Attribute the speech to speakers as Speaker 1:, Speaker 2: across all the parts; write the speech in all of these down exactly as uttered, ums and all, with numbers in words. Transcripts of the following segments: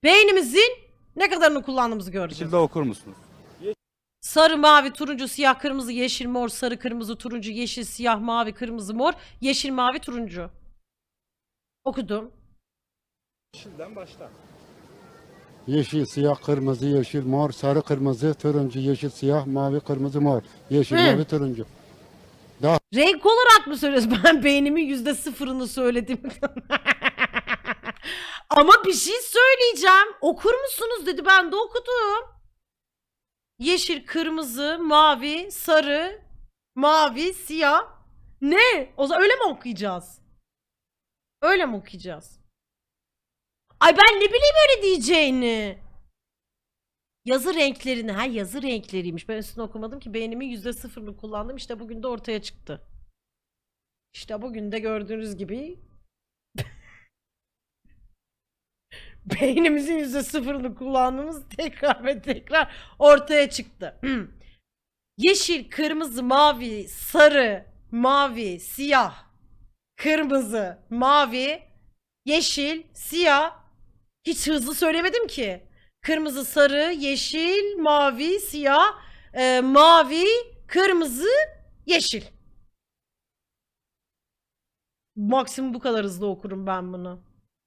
Speaker 1: Beynimizin ne kadarını kullandığımızı göreceğiz.
Speaker 2: Şekilde okur musunuz?
Speaker 1: Sarı, mavi, turuncu, siyah, kırmızı, yeşil, mor, sarı, kırmızı, turuncu, yeşil, siyah, mavi, kırmızı, mor, yeşil, mavi, turuncu. Okudum.
Speaker 2: Yeşilden başla.
Speaker 3: Yeşil, siyah, kırmızı, yeşil, mor, sarı, kırmızı, turuncu, yeşil, siyah, mavi, kırmızı, mor. Yeşil,
Speaker 1: Hı.
Speaker 3: mavi, turuncu.
Speaker 1: Renk olarak mı söylüyorsun? Ben beynimin yüzde sıfırını söyledim. Ama bir şey söyleyeceğim. Okur musunuz dedi. Ben de okudum. Yeşil, kırmızı, mavi, sarı, mavi, siyah. Ne? O zaman öyle mi okuyacağız? Öyle mi okuyacağız? Ay ben ne bileyim öyle diyeceğini. Yazı renklerini. Ha yazı renkleriymiş. Ben üstüne okumadım ki beynimin yüzde sıfırını kullandım. İşte bugün de ortaya çıktı. İşte bugün de gördüğünüz gibi beynimizin yüzde sıfırını kullandığımız tekrar ve tekrar ortaya çıktı. Yeşil, kırmızı, mavi, sarı, mavi, siyah, kırmızı, mavi, yeşil, siyah. Hiç hızlı söylemedim ki. Kırmızı, sarı, yeşil, mavi, siyah, e, mavi, kırmızı, yeşil. Maksimum bu kadar hızlı okurum ben bunu.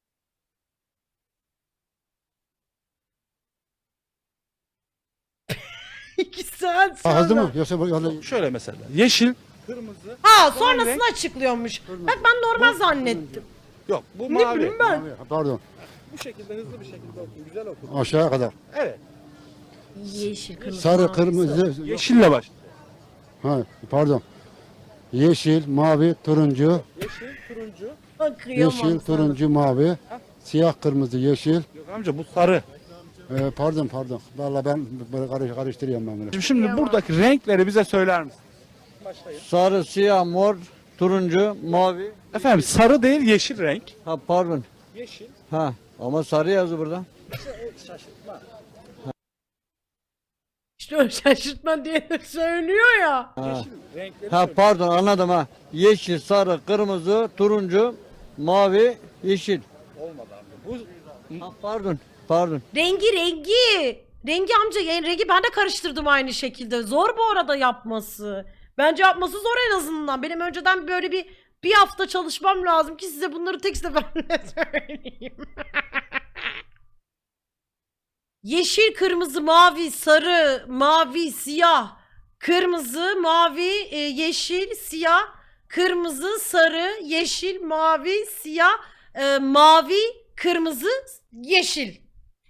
Speaker 1: İki saat sonra.
Speaker 3: Ha, hızlı mı? Yoksa bu- öyle-
Speaker 2: Şöyle mesela. Yeşil, kırmızı.
Speaker 1: Ha sonrasını açıklıyormuş. Bak ben normal zannettim.
Speaker 2: Yok bu
Speaker 1: Ne
Speaker 2: mavi.
Speaker 1: bileyim ben.
Speaker 3: Mavi, Pardon.
Speaker 2: Bu şekilde hızlı bir şekilde okuyun. Güzel okuyun.
Speaker 3: Aşağıya kadar.
Speaker 2: Evet.
Speaker 1: Yeşil, kırmızı,
Speaker 3: Sarı,
Speaker 1: mavi,
Speaker 3: kırmızı.
Speaker 2: Yeşille başla.
Speaker 3: Ha, pardon. Yeşil, mavi, turuncu.
Speaker 2: Yeşil, turuncu.
Speaker 1: sarı. Kıyamam
Speaker 3: Yeşil,
Speaker 1: sana.
Speaker 3: turuncu, mavi. Siyah, kırmızı, yeşil.
Speaker 2: Yok amca bu sarı.
Speaker 3: Ee, pardon, pardon. Vallahi ben böyle karış, karıştırıyorum ben bunu.
Speaker 2: Şimdi, şimdi buradaki renkleri bize söyler misin? Başlayın.
Speaker 4: Sarı, siyah, mor, turuncu, mavi.
Speaker 2: Efendim sarı değil yeşil renk.
Speaker 4: Ha pardon.
Speaker 2: Yeşil.
Speaker 4: Ha ama sarı yazdı burada.
Speaker 2: Şaşırtma.
Speaker 1: İşte o şaşırtma diye de söylüyor ya.
Speaker 4: Ha.
Speaker 2: Yeşil renkleri
Speaker 4: Ha
Speaker 2: söyle.
Speaker 4: pardon anladım ha. Yeşil, sarı, kırmızı, turuncu, mavi, yeşil.
Speaker 2: Olmadı amca. Bu
Speaker 4: Ha pardon. Pardon.
Speaker 1: Rengi rengi. Rengi amca yani rengi ben de karıştırdım aynı şekilde. Zor bu arada yapması. Bence yapması zor en azından. Benim önceden böyle bir bir hafta çalışmam lazım ki size bunları tek seferde söyleyeyim. Yeşil, kırmızı, mavi, sarı, mavi, siyah, kırmızı, mavi, e, yeşil, siyah, kırmızı, sarı, yeşil, mavi, siyah, e, mavi, kırmızı, yeşil.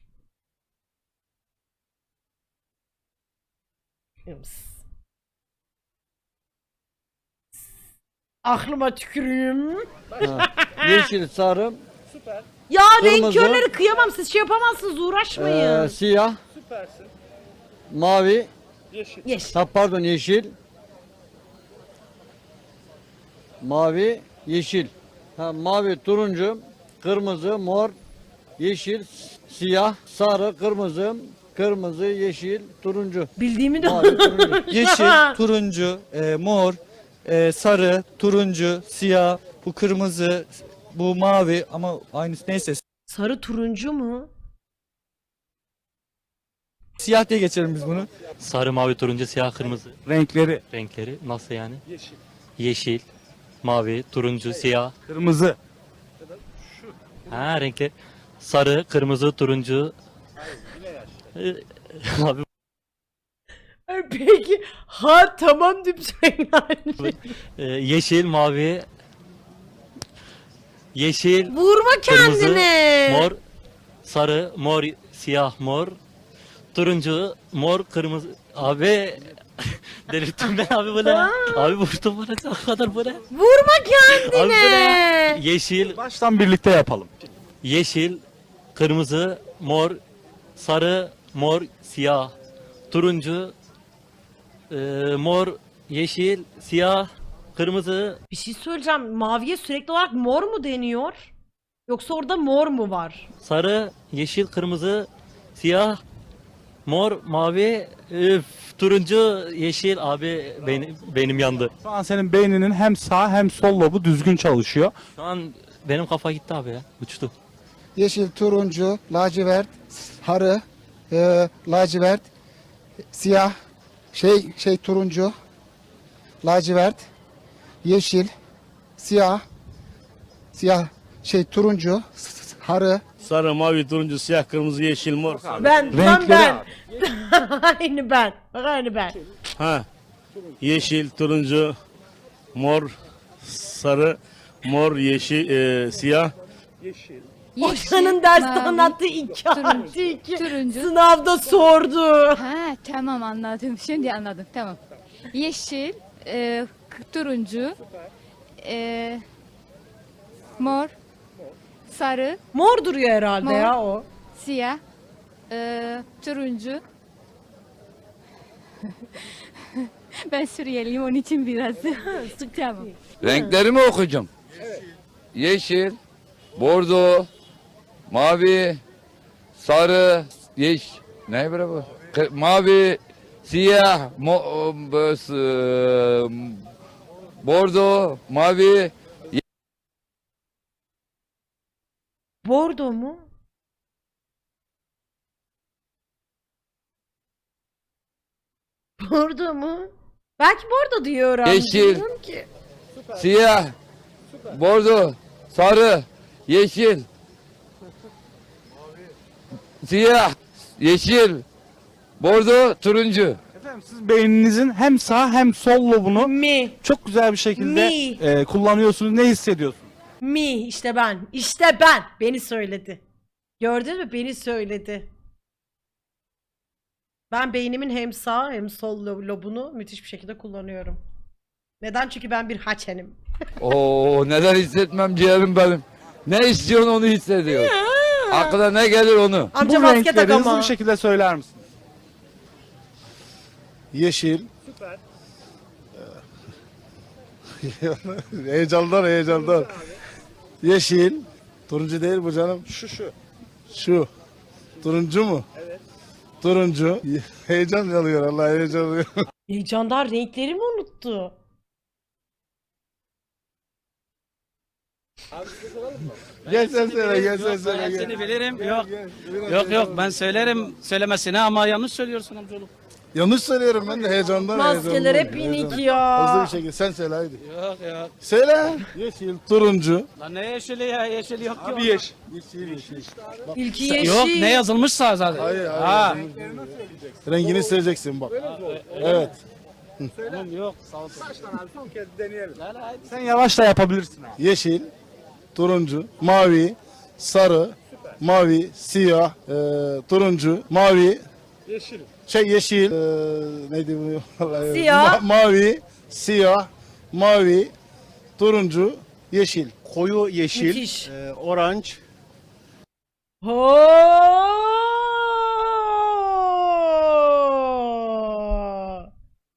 Speaker 1: Aklıma tüküreyim.
Speaker 4: Ha. Yeşil, sarı,
Speaker 2: süper.
Speaker 1: Ya renk
Speaker 4: Kırmızı.
Speaker 1: körleri kıyamam. Siz şey yapamazsınız. Uğraşmayın.
Speaker 4: e, siyah,
Speaker 2: Süpersin.
Speaker 4: mavi.
Speaker 2: Yeşil.
Speaker 1: Yeşil.
Speaker 4: Ha pardon yeşil. Mavi, yeşil. Ha mavi, turuncu, kırmızı, mor, yeşil, siyah, sarı, kırmızı, kırmızı, yeşil, turuncu.
Speaker 1: Bildiğimi de
Speaker 4: Mavi, turuncu.
Speaker 5: Yeşil, turuncu, e, mor, e, sarı, turuncu, siyah, bu kırmızı, bu mavi ama aynısı neyse
Speaker 1: Sarı turuncu mu?
Speaker 5: siyah diye geçelim biz bunu.
Speaker 6: Sarı, mavi, turuncu, siyah, kırmızı
Speaker 2: Renkleri.
Speaker 6: renkleri nasıl yani?
Speaker 2: Yeşil.
Speaker 6: Yeşil, mavi, turuncu, siyah.
Speaker 2: Kırmızı.
Speaker 6: Ha renkler. Sarı, kırmızı, turuncu. Ee, Abi
Speaker 1: Ay, peki. Ha tamam dümdüz yani.
Speaker 6: e, yeşil, mavi, yeşil,
Speaker 1: Vurma
Speaker 6: kırmızı,
Speaker 1: kendine.
Speaker 6: mor, sarı, mor, siyah, mor, turuncu, mor, kırmızı. Abi delirttim ben abi bu ne? Abi vurdum bana ne kadar bu ne?
Speaker 1: Vurma
Speaker 6: Abi bu ne?
Speaker 1: kendine.
Speaker 6: Yeşil,
Speaker 2: Baştan birlikte yapalım.
Speaker 6: yeşil, kırmızı, mor, sarı, mor, siyah, turuncu, e, mor, yeşil, siyah, kırmızı.
Speaker 1: Bir şey söyleyeceğim. Maviye sürekli olarak mor mu deniyor? Yoksa orada mor mu var?
Speaker 6: Sarı, yeşil, kırmızı, siyah, mor, mavi, üf, turuncu, yeşil. Abi benim, benim yandı.
Speaker 2: Şu an senin beyninin hem sağ hem sol lobu düzgün çalışıyor.
Speaker 6: Şu an benim kafa gitti abi ya. Uçtu.
Speaker 3: yeşil, turuncu, lacivert, sarı, e, lacivert, siyah, şey şey turuncu, lacivert, yeşil, siyah, siyah, şey turuncu, sarı,
Speaker 7: Sarı, mavi, turuncu, siyah, kırmızı, yeşil, mor.
Speaker 1: Ben, tam
Speaker 2: Renkleri
Speaker 1: ben.
Speaker 2: abi.
Speaker 1: Aynı ben. Bak aynı ben.
Speaker 7: Ha. Yeşil, turuncu, mor, sarı, mor, yeşil, e, siyah.
Speaker 1: Hoca'nın derste
Speaker 8: mavi,
Speaker 1: anlattığı iki
Speaker 8: turuncu,
Speaker 1: artı iki.
Speaker 8: turuncu.
Speaker 1: Sınavda sordu.
Speaker 8: Ha tamam anladım. Şimdi anladım. Tamam. Yeşil, e, k- turuncu, e, mor, sarı,
Speaker 1: Mor duruyor herhalde
Speaker 8: Mor.
Speaker 1: ya o.
Speaker 8: siyah, e, turuncu. Ben Suriyeliyim onun için biraz. Tamam.
Speaker 9: Renkleri mi okuyacağım? Yeşil, bordo, mavi, sarı, yeş, ne bre bu? Kı- Mavi, siyah, mo, bu- s- bordo, mavi,
Speaker 1: Bordo mu? Bordo mu? Belki bordo diyor abi.
Speaker 9: Yeşil.
Speaker 1: Bilmiyorum ki.
Speaker 9: siyah, bordo, sarı, yeşil, siyah, yeşil, bordo, turuncu.
Speaker 2: Efendim siz beyninizin hem sağ hem sol lobunu
Speaker 1: Mi.
Speaker 2: çok güzel bir şekilde
Speaker 1: Mi.
Speaker 2: e, kullanıyorsunuz. Ne hissediyorsunuz?
Speaker 1: Mi. İşte ben. İşte ben. Beni söyledi. Gördün mü? Beni söyledi. Ben beynimin hem sağ hem sol lo- lobunu müthiş bir şekilde kullanıyorum. Neden? Çünkü ben bir haçenim.
Speaker 9: Oo, neden hissetmem ciğerim benim. Ne istiyorsun onu hissediyor. Aklına ne gelir onu.
Speaker 1: Amca
Speaker 2: Bu
Speaker 1: maske
Speaker 2: renkleri
Speaker 1: tak
Speaker 2: hızlı
Speaker 1: ama.
Speaker 2: bir şekilde söyler misiniz?
Speaker 10: Yeşil. heyecandan heyecandan. Yeşil. Turuncu değil bu canım. Şu şu. Şu. Turuncu mu? Evet. Turuncu. Heyecan alıyor Allah heyecan alıyor.
Speaker 1: Heyecandan renkleri mi unuttu?
Speaker 10: Gel sen söyle gel sen söyle gel.
Speaker 11: Seni bilirim. Yok. Yok yok ben söylerim söylemesine ama yanlış söylüyorsun amcaoğlu.
Speaker 10: Yanlış söylüyorum ben de heyecandan
Speaker 1: Maskeler hep
Speaker 10: heyecandan.
Speaker 1: inik
Speaker 10: Hızlı
Speaker 1: ya.
Speaker 10: bir şekilde sen söyle haydi.
Speaker 11: Yok yok.
Speaker 10: Söyle. Yeşil, turuncu.
Speaker 11: Lan ne yeşili ya yeşil yok ki.
Speaker 2: Abi yeşil.
Speaker 10: Yeşil, yeşil.
Speaker 1: İlki yeşil.
Speaker 11: Yok ne yazılmışsa zaten.
Speaker 10: Hayır hayır.
Speaker 11: Ha.
Speaker 10: Rengini söyleyeceksin bak. Evet.
Speaker 11: Tamam yok sağ ol.
Speaker 2: Sen yavaş da yapabilirsin abi.
Speaker 10: Yeşil, turuncu, mavi, sarı, mavi, siyah, e, turuncu, mavi, yeşil. Şey yeşil, e, neydi bu? Vallahi-
Speaker 1: Siyah.
Speaker 10: Ma- mavi, siyah, mavi, turuncu, yeşil.
Speaker 7: Koyu yeşil,
Speaker 1: Müthiş.
Speaker 7: e, oranj,
Speaker 1: Ho!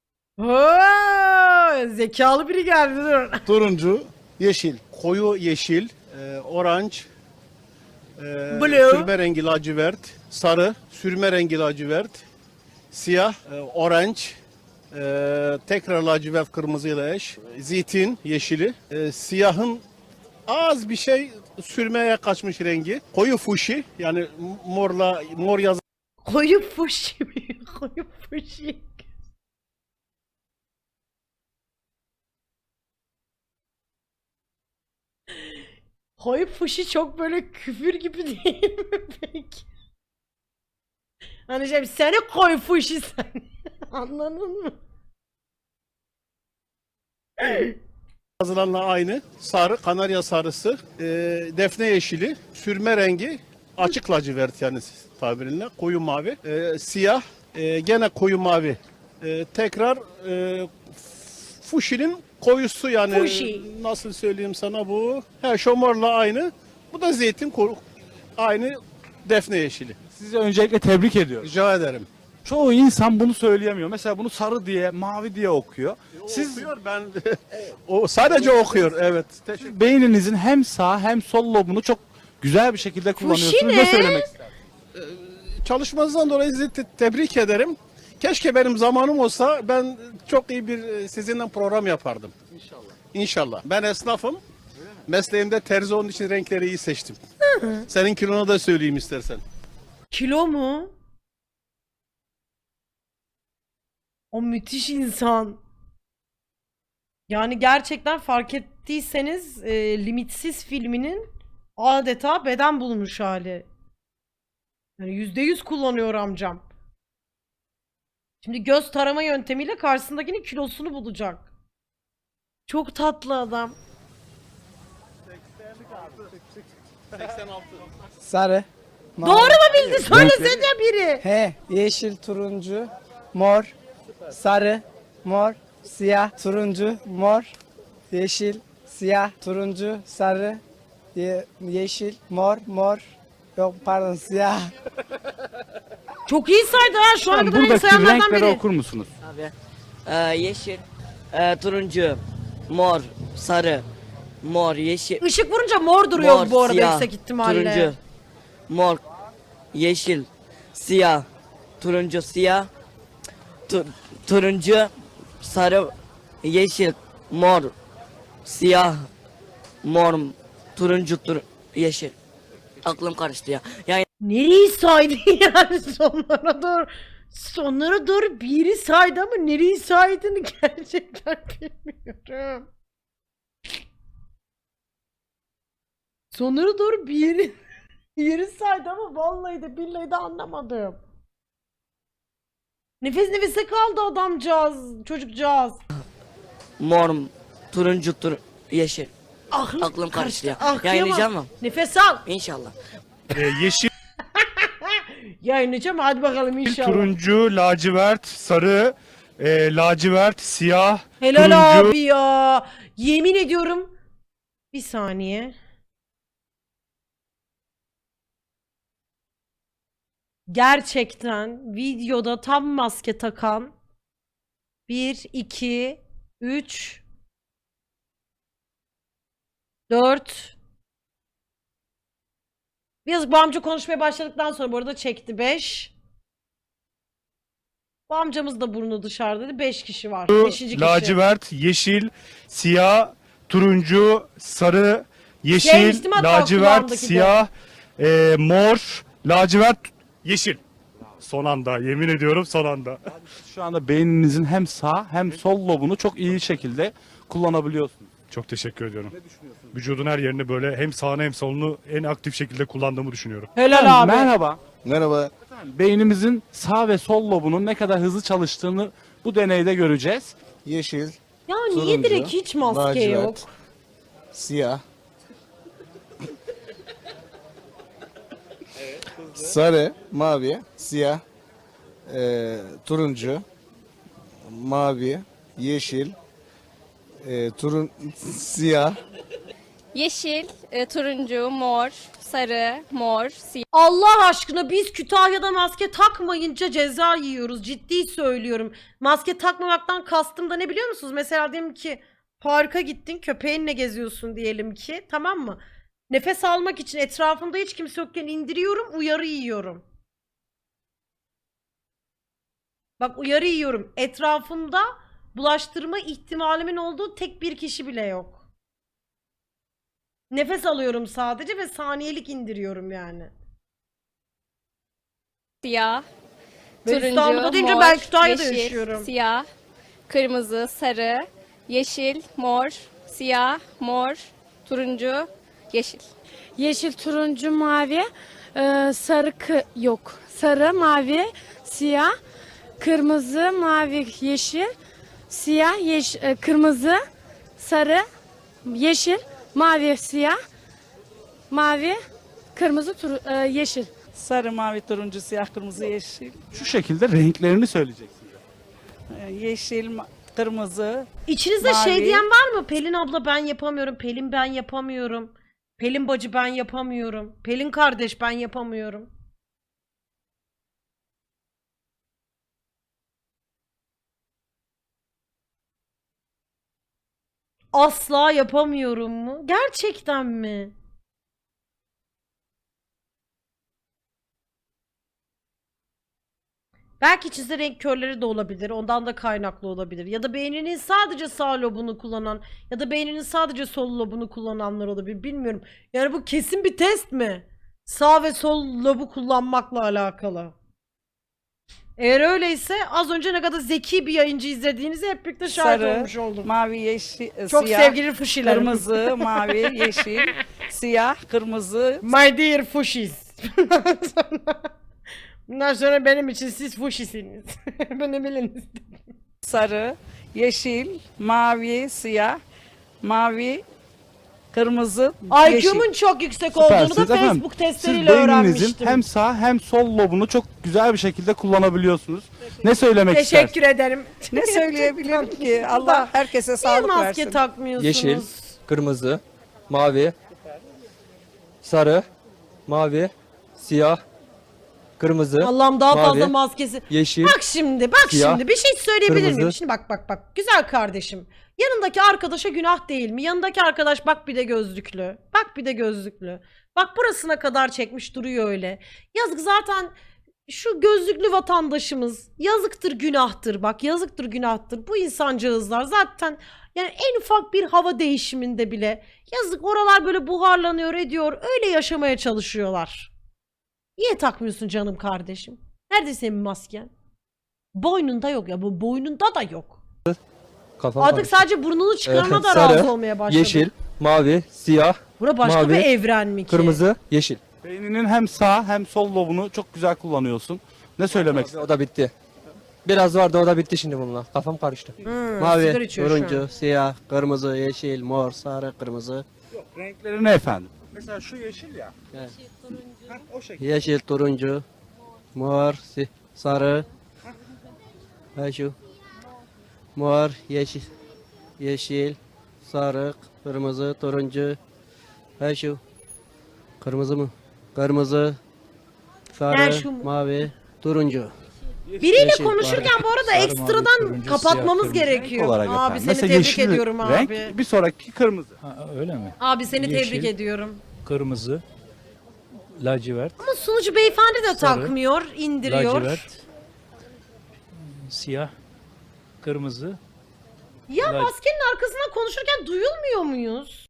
Speaker 1: Ho! Zekalı biri geldi dur.
Speaker 10: Turuncu, yeşil.
Speaker 7: koyu yeşil, e, oranj, e,
Speaker 1: Blue.
Speaker 7: sürme rengi lacivert, sarı, sürme rengi lacivert, siyah, e, oranj, e, tekrar lacivert kırmızıyla eş, zeytin yeşili, e, siyahın az bir şey sürmeye kaçmış rengi, koyu fuşi yani morla mor yazı
Speaker 1: Koyu fuşi mi? Koyu fuşi. Koyu fuşi çok böyle küfür gibi değil mi peki? Hani şey seni koyu fuşi sen. Anladın mı?
Speaker 7: yazılanla aynı. Sarı, kanarya sarısı, e, defne yeşili, sürme rengi, açık lacivert yani tabirinle, koyu mavi, e, siyah, e, gene koyu mavi. E, tekrar e, fuşinin koyusu yani
Speaker 1: Fuşi.
Speaker 7: nasıl söyleyeyim sana bu? He, şomorla aynı. Bu da zeytin koyu, aynı defne yeşili.
Speaker 2: Sizi öncelikle tebrik ediyorum.
Speaker 7: Rica ederim.
Speaker 2: Çoğu insan bunu söyleyemiyor. Mesela bunu sarı diye, mavi diye okuyor. Siz
Speaker 7: Okuyor ben o sadece okuyor evet.
Speaker 2: siz beyninizin hem sağ hem sol lobunu çok güzel bir şekilde kullanıyorsunuz.
Speaker 1: ne?
Speaker 2: Ne söylemek istersiniz?
Speaker 7: Çalışmanızdan dolayı sizi te- tebrik ederim. Keşke benim zamanım olsa ben çok iyi bir e, sizinle program yapardım. İnşallah. İnşallah. Ben esnafım. Mesleğimde terzi onun için renkleri iyi seçtim. Senin kilonu da söyleyeyim istersen.
Speaker 1: Kilo mu? O müthiş insan. Yani gerçekten fark ettiyseniz e, Limitsiz filminin adeta beden bulmuş hali. Yani yüzde yüz kullanıyor amcam. Şimdi göz tarama yöntemiyle karşısındakinin kilosunu bulacak. Çok tatlı adam.
Speaker 7: seksen altı.
Speaker 12: Sarı.
Speaker 1: Doğru mu bildi? Söylesene biri.
Speaker 12: He, yeşil, turuncu, mor, sarı, mor, siyah, turuncu, mor, yeşil, siyah, turuncu, sarı, ye- yeşil, mor, mor. Yok pardon siyah.
Speaker 1: Çok iyi saydı ha. Şu ana
Speaker 2: Tamam,
Speaker 1: kadar en iyi
Speaker 2: buradaki
Speaker 1: sayanlardan
Speaker 2: renkleri
Speaker 1: biri.
Speaker 2: okur musunuz?
Speaker 12: Abi, e, yeşil, e, turuncu, mor, sarı, mor, yeşil,
Speaker 1: Işık vurunca mor duruyor
Speaker 12: Mor,
Speaker 1: bu arada
Speaker 12: siyah,
Speaker 1: yüksek ihtimalle.
Speaker 12: turuncu, mor, yeşil, siyah, turuncu, siyah, tu- turuncu, sarı, yeşil, mor, siyah, mor, turuncu, tur yeşil. Aklım karıştı ya. Yani
Speaker 1: Nereyi saydı yani sonlara doğru. Sonlara doğru bir yeri saydı ama nereyi saydığını gerçekten bilmiyorum. Sonlara doğru bir yeri, yeri saydı ama vallahi de billahi de anlamadım. Nefes nefese kaldı adamcağız, çocukcağız.
Speaker 12: mor, turuncu, tur yeşil.
Speaker 1: Aklım,
Speaker 12: Aklım karıştı ya.
Speaker 1: Ah,
Speaker 12: Yayınlayacağım
Speaker 1: kıyamam.
Speaker 12: mı?
Speaker 1: Nefes al.
Speaker 12: İnşallah.
Speaker 10: yeşil,
Speaker 1: Yayınlayacağım hadi bakalım inşallah.
Speaker 10: turuncu, lacivert, sarı, e, lacivert, siyah,
Speaker 1: Helal
Speaker 10: turuncu.
Speaker 1: abi ya. Yemin ediyorum. Bir saniye. Gerçekten videoda tam maske takan bir, iki, üç, dört. Biraz bu amca konuşmaya başladıktan sonra bu arada çekti beş. Bu amcamız da burnu dışarıdaydı. beş kişi var. beşinci kişi.
Speaker 10: Lacivert, yeşil, siyah, turuncu, sarı, yeşil,
Speaker 1: Sevmiştim hatta
Speaker 10: lacivert,
Speaker 1: kulağımdaki de.
Speaker 10: siyah, e, mor, lacivert, yeşil. Son anda, yemin ediyorum son anda.
Speaker 2: Şu anda beyninizin hem sağ hem sol lobunu çok iyi şekilde kullanabiliyorsunuz.
Speaker 10: Çok teşekkür ediyorum. Vücudun her yerini böyle hem sağını hem solunu en aktif şekilde kullandığımı düşünüyorum.
Speaker 1: Helal abi.
Speaker 2: Merhaba.
Speaker 7: Merhaba.
Speaker 2: Beynimizin sağ ve sol lobunun ne kadar hızlı çalıştığını bu deneyde göreceğiz.
Speaker 7: Yeşil,
Speaker 1: Ya niye
Speaker 7: turuncu,
Speaker 1: direkt hiç maske
Speaker 7: lacivert,
Speaker 1: yok?
Speaker 7: siyah, sarı, mavi, siyah, e, turuncu, mavi, yeşil, e, turun siyah.
Speaker 8: Yeşil, e, turuncu, mor, sarı, mor, siyah.
Speaker 1: Allah aşkına biz Kütahya'da maske takmayınca ceza yiyoruz. Ciddi söylüyorum. Maske takmamaktan kastım da ne biliyor musunuz? Mesela diyelim ki parka gittin, köpeğinle geziyorsun diyelim ki, tamam mı? Nefes almak için etrafımda hiç kimse yokken indiriyorum, uyarı yiyorum. Bak uyarı yiyorum. Etrafımda bulaştırma ihtimalimin olduğu tek bir kişi bile yok. Nefes alıyorum sadece ve saniyelik indiriyorum yani.
Speaker 8: Siyah,
Speaker 1: Ben
Speaker 8: turuncu,
Speaker 1: İstanbul'da deyince
Speaker 8: mor,
Speaker 1: ben Kütahya'da
Speaker 8: yeşil,
Speaker 1: yaşıyorum.
Speaker 8: siyah, kırmızı, sarı, yeşil, mor, siyah, mor, turuncu, yeşil.
Speaker 13: Yeşil, turuncu, mavi, e, sarı kı- yok. Sarı, mavi, siyah, kırmızı, mavi, yeşil, siyah, yeş e, kırmızı, sarı, yeşil, mavi, siyah, mavi, kırmızı, tur- e, yeşil.
Speaker 12: Sarı, mavi, turuncu, siyah, kırmızı, yeşil,
Speaker 2: Şu şekilde renklerini söyleyeceksiniz.
Speaker 12: yeşil, kırmızı.
Speaker 1: İçinizde şey
Speaker 12: Mavi.
Speaker 1: diyen var mı? Pelin abla ben yapamıyorum. Pelin ben yapamıyorum. Pelin bacı ben yapamıyorum. Pelin kardeş ben yapamıyorum. Asla yapamıyorum mu? Gerçekten mi? Belki çizgi renk körleri de olabilir. Ondan da kaynaklı olabilir. Ya da beyninin sadece sağ lobunu kullanan ya da beyninin sadece sol lobunu kullananlar olabilir. Bilmiyorum. Yani bu kesin bir test mi? Sağ ve sol lobu kullanmakla alakalı. Eğer öyleyse az önce ne kadar zeki bir yayıncı izlediğinizi hep birlikte şahit
Speaker 12: Sarı,
Speaker 1: olmuş oldum.
Speaker 12: mavi, yeşil, e,
Speaker 1: Çok
Speaker 12: siyah,
Speaker 1: sevgili fuşilerim.
Speaker 12: kırmızı, mavi, yeşil, siyah, kırmızı,
Speaker 1: My dear fuşis. Bundan sonra benim için siz fuşisiniz. Beni biliniz.
Speaker 12: sarı, yeşil, mavi, siyah, mavi, kırmızı, yeşil.
Speaker 1: I Q'mun çok yüksek olduğunu da
Speaker 2: Süpersiniz efendim.
Speaker 1: Facebook
Speaker 2: Siz
Speaker 1: testleriyle
Speaker 2: beyninizin
Speaker 1: öğrenmiştim.
Speaker 2: hem sağ hem sol lobunu çok güzel bir şekilde kullanabiliyorsunuz. Ne söylemek istersiniz?
Speaker 1: Teşekkür ederim.
Speaker 12: Ne söyleyebilirim ki? Allah herkese
Speaker 1: Niye
Speaker 12: sağlık
Speaker 1: maske
Speaker 12: versin.
Speaker 1: takmıyorsunuz?
Speaker 5: Yeşil, kırmızı, mavi, sarı, mavi, siyah, kırmızı,
Speaker 1: Allah'ım daha fazla
Speaker 5: mavi,
Speaker 1: maskesi.
Speaker 5: yeşil,
Speaker 1: Bak şimdi, bak
Speaker 5: siyah,
Speaker 1: şimdi bir şey söyleyebilir miyim?
Speaker 5: kırmızı.
Speaker 1: Şimdi bak bak bak. Güzel kardeşim. Yanındaki arkadaşa günah değil mi? Yanındaki arkadaş bak bir de gözlüklü. Bak bir de gözlüklü. Bak burasına kadar çekmiş duruyor öyle. Yazık zaten şu gözlüklü vatandaşımız yazıktır günahtır bak yazıktır günahtır. Bu insancağızlar zaten yani en ufak bir hava değişiminde bile yazık oralar böyle buharlanıyor ediyor öyle yaşamaya çalışıyorlar. Niye takmıyorsun canım kardeşim? Nerede senin masken? Boynunda yok ya bu boynunda da yok.
Speaker 5: kafam
Speaker 1: Artık
Speaker 5: karıştı.
Speaker 1: sadece burnunu çıkarana da
Speaker 5: Sarı,
Speaker 1: razı olmaya başladım.
Speaker 5: yeşil, mavi, siyah,
Speaker 1: Bura başka
Speaker 5: mavi,
Speaker 1: bir evren mi ki?
Speaker 5: kırmızı, yeşil.
Speaker 2: Beyninin hem sağ hem sol lobunu çok güzel kullanıyorsun. Ne söylemek istersin?
Speaker 5: O da bitti. Biraz vardı o da bitti şimdi bununla. Kafam karıştı.
Speaker 1: Hmm, sigara içiyor şu an.
Speaker 11: turuncu, siyah, kırmızı, yeşil, mor, sarı, kırmızı.
Speaker 2: Renkleri ne efendim? Mesela şu yeşil ya.
Speaker 11: Evet.
Speaker 2: Heh, o şekilde.
Speaker 11: Yeşil, turuncu, mor, si- sarı. Ha şu. Mor, yeşil, yeşil, sarı, kırmızı, turuncu. Ha şu. Kırmızı mı? Kırmızı, sarı,
Speaker 1: Ha, şu mu?
Speaker 11: mavi, turuncu.
Speaker 1: Biriyle
Speaker 11: Yeşil,
Speaker 1: konuşurken bu arada
Speaker 5: Sarı, mavi,
Speaker 1: ekstradan
Speaker 5: turuncu,
Speaker 1: kapatmamız
Speaker 5: siyah, kırmızı.
Speaker 1: gerekiyor.
Speaker 2: Renk olarak
Speaker 1: Abi
Speaker 2: efendim.
Speaker 1: seni
Speaker 2: Mesela
Speaker 1: tebrik
Speaker 2: yeşil
Speaker 1: ediyorum
Speaker 2: renk,
Speaker 1: abi.
Speaker 2: bir sonraki kırmızı.
Speaker 5: Ha, öyle mi?
Speaker 1: Abi seni
Speaker 5: Yeşil.
Speaker 1: tebrik ediyorum.
Speaker 5: Kırmızı, lacivert,
Speaker 1: Ama sunucu beyefendi de
Speaker 5: Sarı,
Speaker 1: takmıyor, indiriyor.
Speaker 5: lacivert, siyah, kırmızı,
Speaker 1: Ya
Speaker 5: lac-
Speaker 1: maskenin arkasından konuşurken duyulmuyor muyuz?